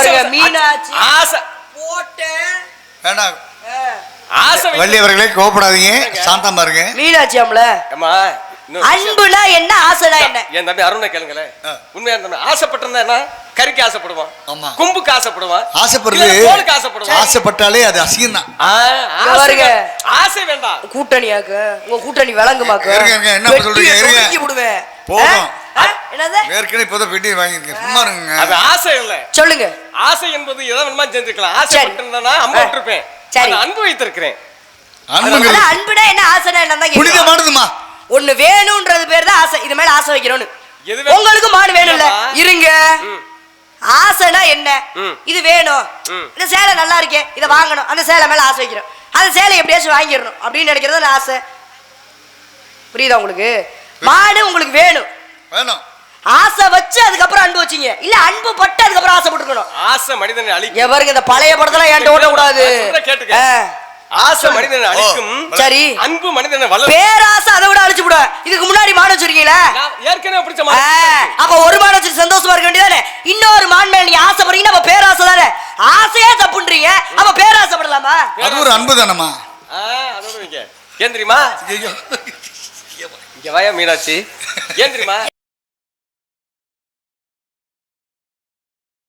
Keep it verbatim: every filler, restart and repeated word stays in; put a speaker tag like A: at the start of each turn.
A: பாருங்க மீனாட்சி ஆசை போட்டேன்
B: வேண்டாம் ஆசை. வள்ளி அவர்களே கோபப்படாதீங்க, சாந்தமா இருங்க.
A: மீனாட்சி அம்ல அம்மா அன்புனா என்ன ஆசைனா என்ன?
C: என் தம்பி அருணை கேளுங்களே, உண்மையா தம்பி ஆசைப்பட்டிருந்தா என்ன? கறிக்கு ஆசைப்படுவான், கும்புக்கு ஆசைப்படுவான், ஆசைப்படுறது கோலுக்கு ஆசைப்படுவான்.
B: ஆசைப்பட்டாலே அது அசிங்கம் தான்.
C: ஆசை வேண்டாம்.
A: கூட்டணியாக்க உங்க கூட்டணி விளங்குமாக்க
B: என்ன சொல்றீங்க? இருங்க
A: விடுவேன்
B: போதும்.
A: என்னது
B: ஏற்கனவே இப்போதான் பெட்டி வாங்கிருக்கேன், சும்மா இருங்க.
C: அது ஆசை இல்ல,
A: சொல்லுங்க.
C: ஆசை என்பது எதை வேணுமா செஞ்சிருக்கலாம். ஆசைப்பட்டிருந்தா அம்பு விட்டுருப்பேன், அன்பு வைத்திருக்கிறேன்.
A: அன்புனா என்ன ஆசைனா என்ன
B: புனிதமானதுமா.
A: ஒண்ணு வேணும்ன்றது பேர் தான் ஆசை. இது மேல ஆசை வைக்கிறோன்னு உங்களுக்கு மாடு வேணும்ல, இருங்க. ஆசைனா என்ன? இது வேணும், இந்த சேலை நல்லா இருக்கே, இதை வாங்கணும், அந்த சேலை மேல ஆசை வைக்கிறோம். அந்த சேலை எப்படியாச்சும் வாங்கிடணும் அப்படின்னு நினைக்கிறது ஆசை. புரியுதா உங்களுக்கு? மாடு உங்களுக்கு வேணும்,
B: வேணும்.
A: ஆசை வச்சு அதுக்கப்புறம் அன்பு வச்சீங்க, இல்ல அன்பு பட்டு அதுக்கப்புறம் ஆசைப்பட்டுக்கணும்.
C: ஆசை மனிதனை அழிக்கும்.
A: எவருக்கு இந்த பழைய படத்தெல்லாம் ஏன்ட்ட ஓட கூடாது.
C: கேட்டுக்க, ஆசை மனிதனை அழிக்கும், சரி, அன்பு மனிதனை வளர்க்கும்.
A: பேராசை அதை விட அழிச்சு விட. இதுக்கு முன்னாடி மாடு வச்சிருக்கீங்களா?
C: ஏற்கனவே பிடிச்ச மாடு.
A: அப்ப ஒரு மாடு வச்சு சந்தோஷமா இருக்க வேண்டியதானே? இன்னொரு மான் மேல நீங்க ஆசைப்படுறீங்க, அப்ப பேராசை தானே. ஆசையே தப்புன்றீங்க, அப்ப பேராசைப்படலாமா?
B: அது ஒரு அன்பு தானமா.
C: அதோட ஏன் தெரியுமா? இங்க வாயா மீனாட்சி, ஏன் தெரியுமா?